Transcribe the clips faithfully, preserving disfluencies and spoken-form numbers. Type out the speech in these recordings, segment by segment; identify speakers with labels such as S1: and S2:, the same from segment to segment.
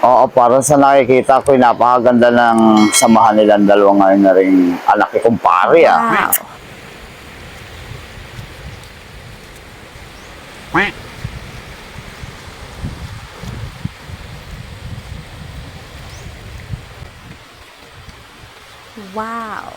S1: Oo, para sa nakikita ko, napakaganda ng samahan nilang dalawa ngayon na rin anak ni kumpare ah.
S2: Wow. Wow.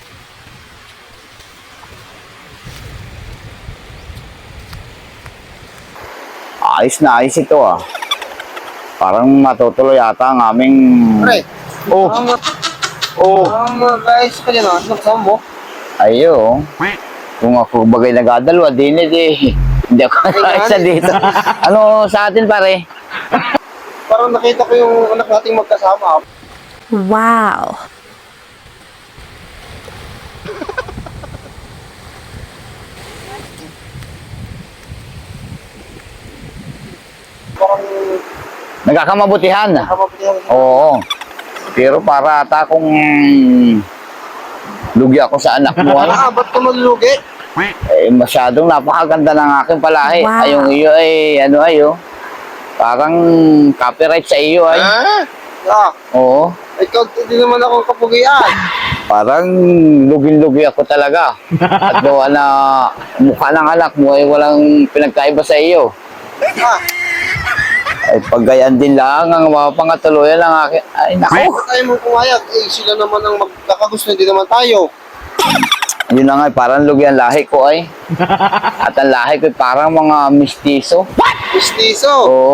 S1: Ayos na ayos ito ah. Parang matutuloy yata ang aming...
S3: Pre,
S1: Oh, oh,
S3: um, guys, ka dyan, ano kasama mo?
S1: ayo. Kung ako bagay nagadalwa, di na di. Hindi ako isa dito. Ano sa atin pare?
S3: Parang nakita ko yung anak nating magkasama.
S2: Wow.
S3: Parang
S1: Nagkakamabutihan.
S3: nakapapilihan.
S1: Oo. Pero para ata kung lugi ako sa anak mo, ano?
S3: Ah, ba't ka malulugi?
S1: Eh, masyadong napakaganda ng aking palahi.
S2: Wow.
S1: Ay, yung iyo ay, ano ayo, parang copyright sa iyo ay.
S3: Ah,
S1: Oo.
S3: ikaw hindi naman ako kapugian.
S1: Parang lugin-lugi ako talaga. At gawa na mukha ng anak mo ay walang pinagkaiba sa iyo.
S3: Ah,
S1: Ay, paggayan din lang ang mga pangatuluyan ng akin. Ay, naku.
S3: bakit tayo mo pumayag? Eh, sila naman ang magkakagusto, hindi naman tayo.
S1: Yun na nga, parang lugi ang lahi ko ay. At ang lahi ko ay parang mga mistiso.
S3: Mistiso.
S1: Oo.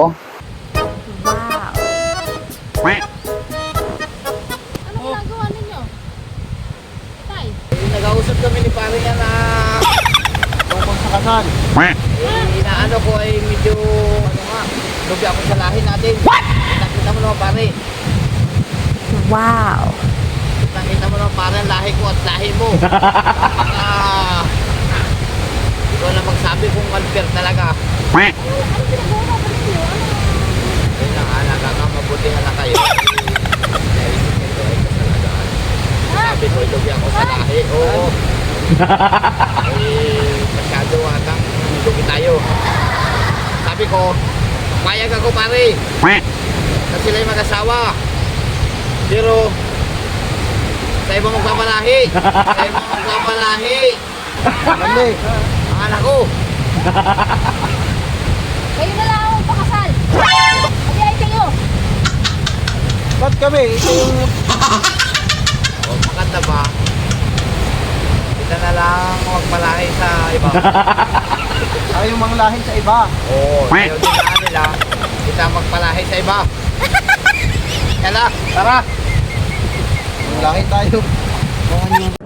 S2: Wow.
S4: Ano ginagawa ninyo? Tay,
S5: Nag-ausap kami ni pare nga na
S3: Tungkol sa kasal.
S5: eh, inaano ko ay medyo ano nga, lugi ako sa lahi natin. Nakita mo naman pare.
S2: Wow.
S5: Nakita mo naman pare ang lahi ko at lahi mo. Napaka... Ikaw na magsabi kung unfair talaga.
S4: ano ginagawa ba ninyo? Ano?
S5: Ayun na nga, nagkakamabutihan na kayo. Naisip ko ito ay kasalagaan. Sabi ko, lugi ako sa lahi. Oo. Eh, masyado atang lugi tayo. Sabi ko, payag ako pare. Na sila'y mag-asawa. Pero, sa ibang magpapalahi. Sa ibang magpapalahi.
S3: Ano eh?
S5: Ang anak ko.
S4: Kayo na lang ang pakasal. Adi ay kayo.
S3: Ba't kami? Ito yung...
S5: O, maganda ba? Kita na lang magpalahi sa iba.
S3: Tayo yung mga lahi sa iba.
S5: Oo, ayaw din na nila. Kita magpalahi sa iba. Kaya tara.
S3: Mga lahi tayo. Mga nyo